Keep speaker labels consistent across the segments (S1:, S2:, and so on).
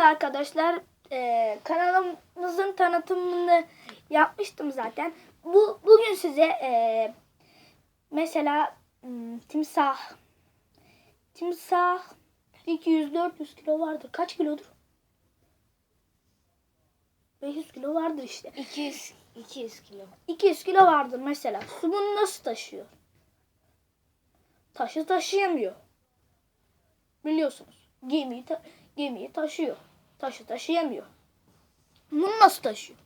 S1: arkadaşlar. Kanalımızın tanıtımını yapmıştım zaten. Bugün size mesela timsah 200-400 kilo vardır. Kaç kilodur? 500 kilo vardır işte.
S2: 200 kilo.
S1: 200 kilo vardır mesela. Su bunu nasıl taşıyor? Taşı taşıyamıyor. Biliyorsunuz. Gemiyi taşıyor. Taşı taşıyamıyor. Bunu nasıl taşıyor?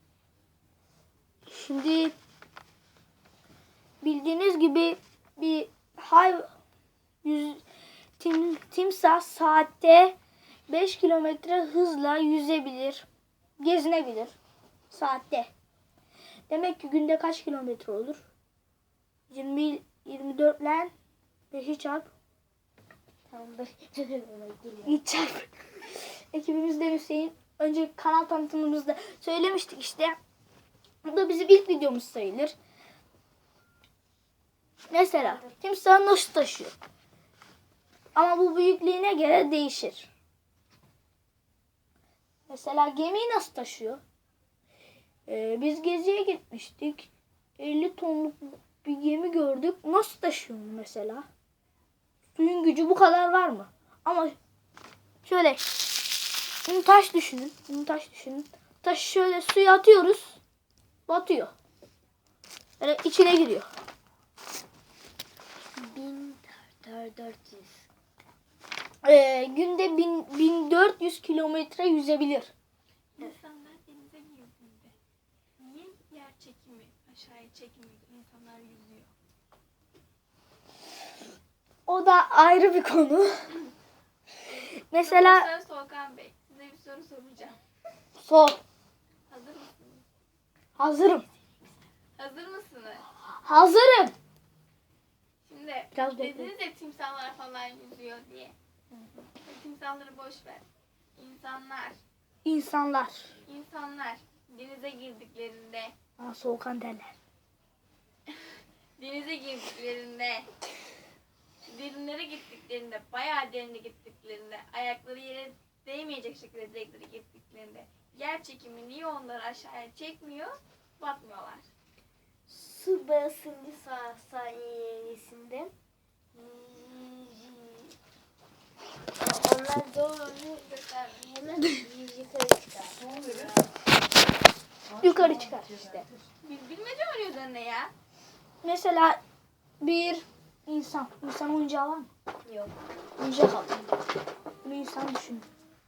S1: Şimdi bildiğiniz gibi bir timsah saatte 5 kilometre hızla yüzebilir, gezinebilir saatte. Demek ki günde kaç kilometre olur? 24 ile 5'i çarp.
S2: Tamam.
S1: Git çarp. Ekibimizde Hüseyin. Önce kanal tanıtımımızda söylemiştik işte. Bu da bizim ilk videomuz sayılır. Mesela timsah nasıl taşıyor? Ama bu büyüklüğüne göre değişir. Mesela gemiyi nasıl taşıyor? Biz geziye gitmiştik. 50 tonluk bir gemi gördük. Nasıl taşıyor mesela? Suyun gücü bu kadar var mı? Ama şöyle bunu taş düşünün. Taşı şöyle suya atıyoruz. Batıyor. Yani içine giriyor.
S2: 1400.
S1: Günde 1400 kilometre yüzebilir.
S3: İnsanlar denize girdiğinde niye yer çekimi aşağıya çekmiyor, insanlar yüzüyor?
S1: O da ayrı bir konu. Mesela
S3: Profesör Solkan Bey, size bir soru soracağım.
S1: sor.
S3: Hazır mısınız?
S1: Hazırım.
S3: Hazır mısınız?
S1: Hazırım.
S3: Şimdi
S1: Biraz
S3: dediniz ya timsahlar falan yüzüyor diye. Timsahları boş ver. İnsanlar denize girdiklerinde,
S1: Soğukan derler.
S3: derinlere gittiklerinde, bayağı derine gittiklerinde, ayakları yere değmeyecek şekilde direklere gittiklerinde yer çekimi niye onları aşağıya çekmiyor, batmıyorlar?
S2: Su basıncı sayesinde onlar doğru hemen yukarı çıkar.
S1: Yukarı çıkar işte.
S3: Bilmece oynuyoruz anne ya.
S1: Mesela bir insan. İnsan oyuncağı var mı?
S2: Yok.
S1: Oyuncak al. Bunu insan düşünün.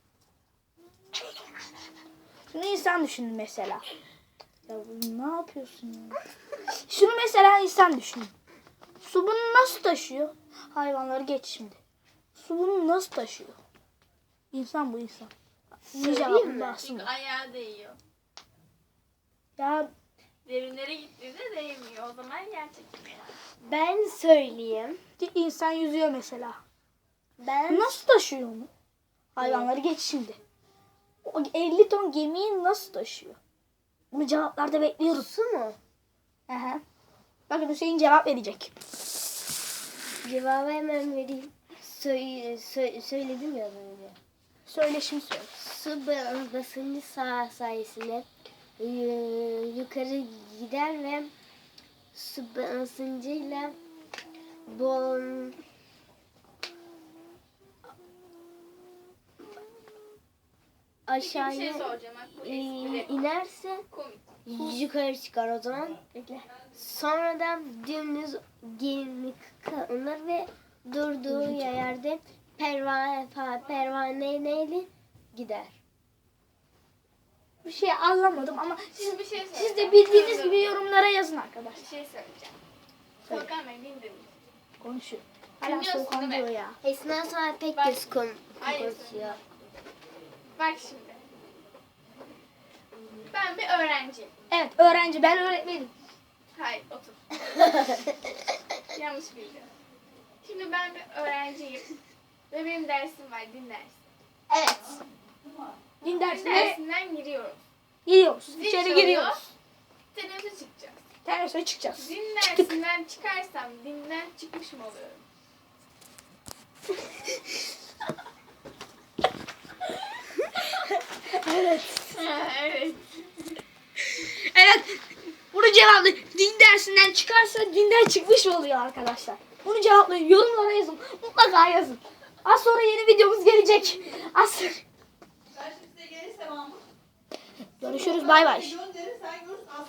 S1: Şunu insan düşünün mesela. Ya ne yapıyorsun ya? Şunu mesela insan düşünün. Su bunu nasıl taşıyor? Hayvanları geç şimdi. Su bunu nasıl taşıyor? İnsan bu insan.
S2: Söyleyeyim mi?
S3: Çünkü ayağı değiyor.
S1: Ya
S3: Derinlere gittiğinde değmiyor. O zaman yer çekimi var.
S2: Ben söyleyeyim.
S1: insan yüzüyor mesela.
S2: Ben
S1: Nasıl taşıyor onu? Hayvanları geç şimdi. O 50 ton gemiyi nasıl taşıyor? Bunu cevaplarda bekliyoruz.
S2: su mu?
S1: Aha. Bakın Hüseyin cevap verecek.
S2: Cevabı hemen vereyim. Söyledim ya az önce.
S1: Söyle şimdi söyle.
S2: Su basıncı sayesinde yukarı gider ve su basıncıyla bon
S3: Peki bir şey
S2: aşağıya
S3: soracağım. Bak bu espri.
S2: inerse
S3: Komik.
S2: yukarı çıkar o zaman.
S1: Bekle.
S2: Sonradan dümdüz gemi kalınır ve durduğu yerde pervaneyle gider.
S1: Bir şey anlamadım ama
S3: Şimdi bir şey
S1: siz
S3: söyleyeceğim.
S1: de bildiğiniz gibi yorumlara yazın arkadaşlar.
S3: Bir şey söyleyeceğim.
S1: Söyle.
S3: Volkan Bey dinledin.
S1: Konuşuyor. Hala
S3: Dinliyorsun
S1: soğukan
S3: değil mi?
S1: diyor ya.
S2: Esna sonra pek
S3: Bak-
S2: göz
S3: Hayır.
S2: konuşuyor.
S3: Bak şimdi. Ben bir öğrenciyim.
S1: Evet öğrenci, ben öğretmenim.
S3: Hayır, otur. Yanlış bildim. Şimdi ben bir öğrenciyim. Ve benim dersim var, din dersi.
S1: Evet. Din
S3: Din
S1: dersine
S3: dersinden giriyoruz.
S1: giriyoruz.
S3: Zil
S1: İçeri
S3: çalıyor.
S1: giriyoruz.
S3: Teneffüse çıkacağız.
S1: Terasa çıkacağız.
S3: Din
S1: Çıktık.
S3: dersinden çıkarsam dinden çıkmış mı oluyorum?
S1: Evet.
S3: Evet.
S1: Evet. Bunu cevaplayın. Din dersinden çıkarsa dinden çıkmış oluyor arkadaşlar. Bunu cevaplayın. Yorumlara yazın. Mutlaka yazın. Az sonra yeni videomuz gelecek. Az sonra.
S4: Ben şimdi size gelirse Mahmut.
S1: Görüşürüz. Bay bay.
S4: Gönderir sen görürsün.